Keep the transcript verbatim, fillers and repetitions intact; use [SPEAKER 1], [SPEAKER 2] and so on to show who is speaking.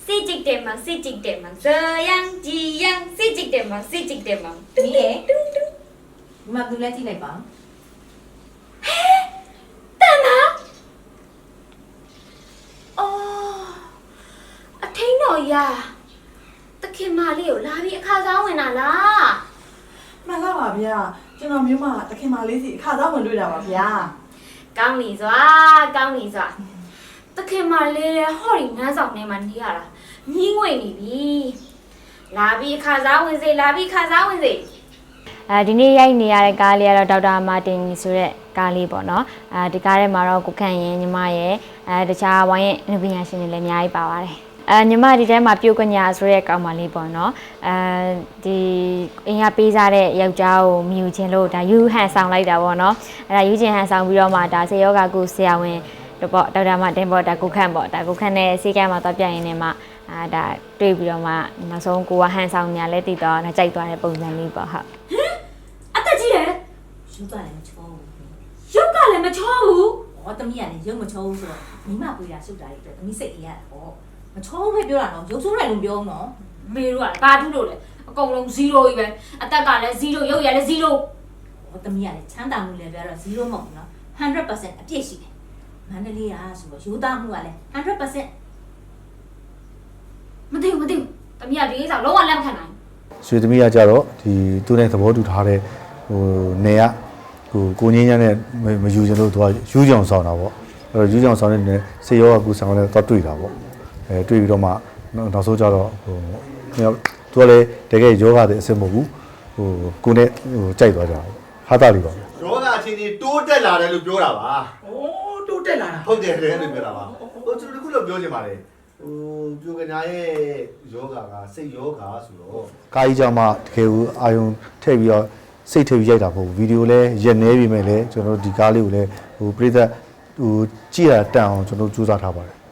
[SPEAKER 1] စိจิกတယ်မှာစိจิกတယ်မှာဇယံကြည်ယံစိจิกတယ်မှာစိจิกတယ်မှာ
[SPEAKER 2] ဒီလေဒီမှာသူလည်းကြည့်လိုက်ပါ
[SPEAKER 1] တန်နာအော်အထင်းတော်ရာတခင်မလေးကိုလာပြီးအခါစားဝင်တာလား
[SPEAKER 3] မှန်လားပါဗျာကျွန်တော်မျိုးမတခင်မလေးစီအခါသားဝင်တွေ့တာပါဗျာ
[SPEAKER 1] ကောင်းပြီစွာကောင်းပြီစွာတခင်မလေးဟော်ရီငန်းဆောင်ထဲမှာနေရတာမြင်းငွေနေပြီလာပြီးအခါစားဝင်စေလာပြီးခါစားဝင်စေ
[SPEAKER 4] အဲဒီနေ့ရိုက်နေရတဲ့ကားလေးကတော့ဒေါက်တာမာတင်ဆိုတဲ့ကားလေးပေါ့နော်အဲဒီကားထဲမှာတော့ကိုခန့်ရင်ညီမရဲ့အဲတခြားဝိုင်းရဲ့အနုပညာရှင်တွေလည်းအများကြီးပါပါတယ်အဲညီမဒီထဲမှာပြုတ်ကညာဆိုတဲ့ကောင်မလေးပေါ့နော်အဲဒီအင်ကပေးစားတဲ့ယောက်ျားကိုမြူချင်းလို့ဒါယူဟန်ဆောင်လိုက်တာပေါ့နော်အဲဒါယူချင်းဟန်ဆောင်ပြီးတော့မှဒါဆေယောဂကုဆရာဝန်တော့ပေါ့ဒေါက်တာမာတင်ပေါ့ဒါကိုခန့်ပေါ့ဒါကိုခန့်နဲ့ဆေးကမ်းမှာတော့ပြရင်နေမှာအာဒါတွေ့ပြီးတော့မှနောက်ဆုံးကိုကဟန်ဆောင်ညာလဲတည်တော့ဒါကြိုက်သွားတဲ့ပုံစံလေးပေါ့ဟုတ်
[SPEAKER 1] အသက်ကြီးတယ်
[SPEAKER 2] ရုပ်ကလည်းမချောဘူး
[SPEAKER 1] ရုပ်ကလည်းမချောဘူး
[SPEAKER 2] ဟောတမီးကလည်းရုပ်မချောဘူးဆိုတော့မိမပွေတာရှုပ်တာတွေအတွက်တမီးစိတ်အေးရတာပေါ့မချောဘူးပဲပြောတာနော်ရုပ်ဆိုးတယ်လို့ပြောအောင်နော်
[SPEAKER 1] မေတို့ကဘာထူးလို့လဲအကုန်လုံးဇီးရိုကြီးပဲအသက်ကလည်းဇီးရိုရုပ်ရလည်းဇီးရို
[SPEAKER 2] ဟောတမီးကလည်းချမ်းသာမှုလည်းပြောတော့zero မဟုတ်ဘူးနော်one hundred percent အပြည့်ရှိတယ်မန္တလေးကဆိုတော့ရိုးသားမှုကလည်းone hundred percent
[SPEAKER 1] မသိဘူးမသိဘူးတမီးကဒီကိစ္စလုံးဝလက်မခံနိုင်
[SPEAKER 5] ရွှေသမီးကကြတော့ဒီသူနဲ့သဘောတူထားတဲ့ဟိုနေရဟိုကိုငင်းညမ်းနဲ့မယူချင်လို့သူကယူကြောင်ဆောင်တာပေါ့အဲ့တော့ယူကြောင်ဆောင်တဲ့စေရောကကူဆောင်တဲ့တော့တွေ့တာပေါ့အဲတွေ့ပြီးတော့မှနောက်ဆုံးကြတော့ဟိုသူကလည်းတကယ်ယောဂတဲ့အဆင်မဟုတ်ဘူးဟိုကိုနဲ့ဟိုကြိုက်သွားကြတာဟာတာလေးပါ
[SPEAKER 6] ယောဂအချင်းကြီးတိုးတက်လာတယ်လို့ပြောတာပါ
[SPEAKER 3] โอ้တိုးတက်လာတာ
[SPEAKER 6] ဟုတ်တယ်တယ်လို့ပြောတာပါဟိုကျွန်တော်တို့ခုလို့ပြောချင်ပါတယ်ဟိုပြိုကညာရဲ့ယောဂကစိတ်ယောဂဆိုတော့
[SPEAKER 5] ကာကြီးကြောင့်မှတကယ်ကိုအာယုံထည့်ပြီးတော့စိတ်ထည့်ပြီးရိုက်တာမဟုတ်ဘူးဗီဒီယိုလည်းရက်နေပြီမဲ့လည်းကျွန်တော်တို့ဒီကားလေးကိုလည်းဟိုပြိသက်ဟိုကြည့်ရတန်အောင်ကျွန်တော်တို့စူးစမ်းထားပါတယ်